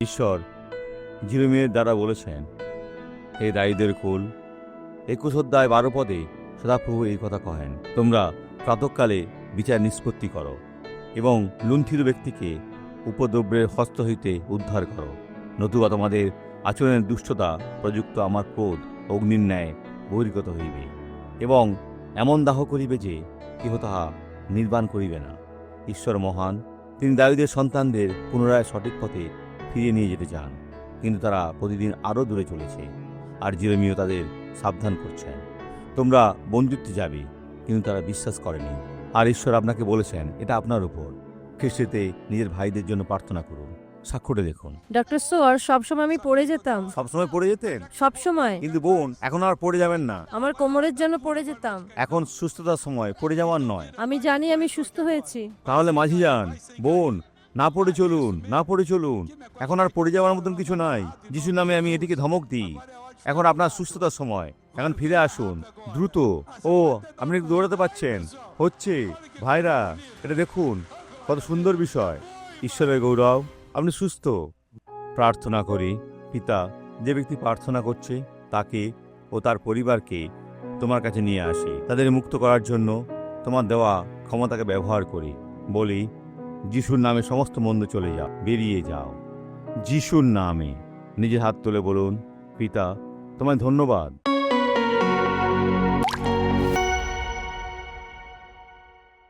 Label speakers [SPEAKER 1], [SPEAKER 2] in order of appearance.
[SPEAKER 1] ঈশ্বর জিরোমিয়ের দ্বারা বলেছেন, হে দায়ীদের কুল, 21 অধ্যায় 12 পদে সদাপ্রভু এই কথা কহেন, তোমরা প্রাতঃকালে বিচার নিষ্পত্তি করো এবং লুণ্ঠিত ব্যক্তিকে উপদ্রবের হস্ত হইতে উদ্ধার করো, নতুবা তোমাদের আচরণের দুষ্টতা প্রযুক্ত আমার ক্রোধ অগ্নির ন্যায় বহির্গত হইবে এবং এমন দাহ করিবে যে কেহ তাহা নির্বাণ করিবে না। ঈশ্বর মহান, তিনি দাবীদের সন্তানদের পুনরায় সঠিক পথে ফিরিয়ে নিয়ে যেতে চান, কিন্তু তারা প্রতিদিন আরও দূরে চলেছে। আর জিরোমীয় তাদের সাবধান করছেন, তোমরা বন্দিত্বে যাবে, কিন্তু তারা বিশ্বাস করেনি। আর ঈশ্বর আপনাকে বলেছেন, এটা আপনার উপর। খ্রিস্টেতে নিজের ভাইদের জন্য প্রার্থনা করুন। সাক্ষ্যটা দেখুন।
[SPEAKER 2] ডক্টর সোয়ার, সবসময় আমি পড়ে যেতাম,
[SPEAKER 1] সবসময় পড়ে যেতেন,
[SPEAKER 2] সবসময়।
[SPEAKER 1] কিন্তু বোন এখন আর পড়ে যাবেন না।
[SPEAKER 2] আমার কোমরের জন্য পড়ে যেতাম।
[SPEAKER 1] এখন সুস্থতার সময়, পড়ে যাওয়ার নয়।
[SPEAKER 2] আমি জানি আমি সুস্থ হয়েছি।
[SPEAKER 1] তাহলে মাঝি যান। বোন, না পড়ে চলুন, না পড়ে চলুন। এখন আর পড়ে যাওয়ার মতন কিছু নাই। যিশুর নামে আমি এটিকে ধমক দিই। এখন আপনার সুস্থতার সময়, এখন ফিরে আসুন দ্রুত। ও, আপনি একটু দৌড়াতে পারছেন, হচ্ছে। ভাইরা, এটা দেখুন কত সুন্দর বিষয়। ঈশ্বরের গৌরব, আপনি সুস্থ। প্রার্থনা করি। পিতা, যে ব্যক্তি প্রার্থনা করছে তাকে ও তার পরিবারকে তোমার কাছে নিয়ে আসি। তাদের মুক্ত করার জন্য তোমার দেওয়া ক্ষমতাকে ব্যবহার করি। বলি, যিশুর নামে সমস্ত মন্দ চলে যাও, বেরিয়ে যাও। যিশুর নামে নিজের হাত তুলে বলুন, পিতা, তোমায় ধন্যবাদ।